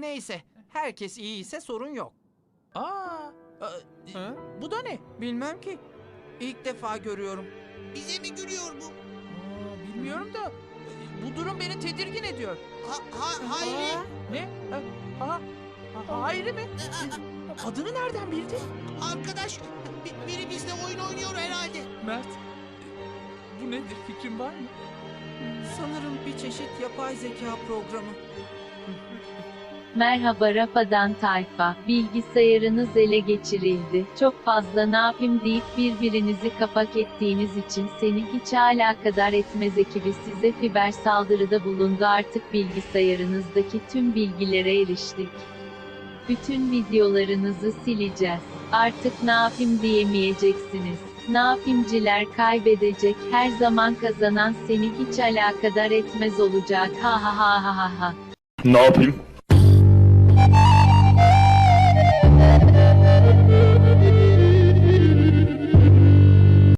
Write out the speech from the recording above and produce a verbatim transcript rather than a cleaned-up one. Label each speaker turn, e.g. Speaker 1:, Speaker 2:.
Speaker 1: Neyse, herkes iyi ise sorun yok.
Speaker 2: Aa, e,
Speaker 1: Ha?
Speaker 2: bu da ne?
Speaker 1: Bilmem ki. İlk defa görüyorum.
Speaker 3: Bize mi gülüyor bu?
Speaker 2: Aa, bilmiyorum da e, bu durum beni tedirgin ediyor.
Speaker 3: Ha, ha, Hayri.
Speaker 2: Ne? Ha, ha, ha, Hayri mi? Adını nereden bildin?
Speaker 3: Arkadaş, bi- biri bizle oyun oynuyor herhalde.
Speaker 2: Mert, e, bu nedir, fikrin var mı?
Speaker 1: Sanırım bir çeşit yapay zeka programı.
Speaker 4: Merhaba Rafadan tayfa, bilgisayarınız ele geçirildi. Çok fazla ne yapayım deyip birbirinizi kapak ettiğiniz için seni hiç alakadar etmez ekibi size fiber saldırıda bulundu. Artık bilgisayarınızdaki tüm bilgilere eriştik. Bütün videolarınızı sileceğiz. Artık ne yapayım diyemeyeceksiniz. Ne yapayımciler kaybedecek, her zaman kazanan seni hiç alakadar etmez olacak. Ha ha ha ha ha ha.
Speaker 5: Ne yapayım?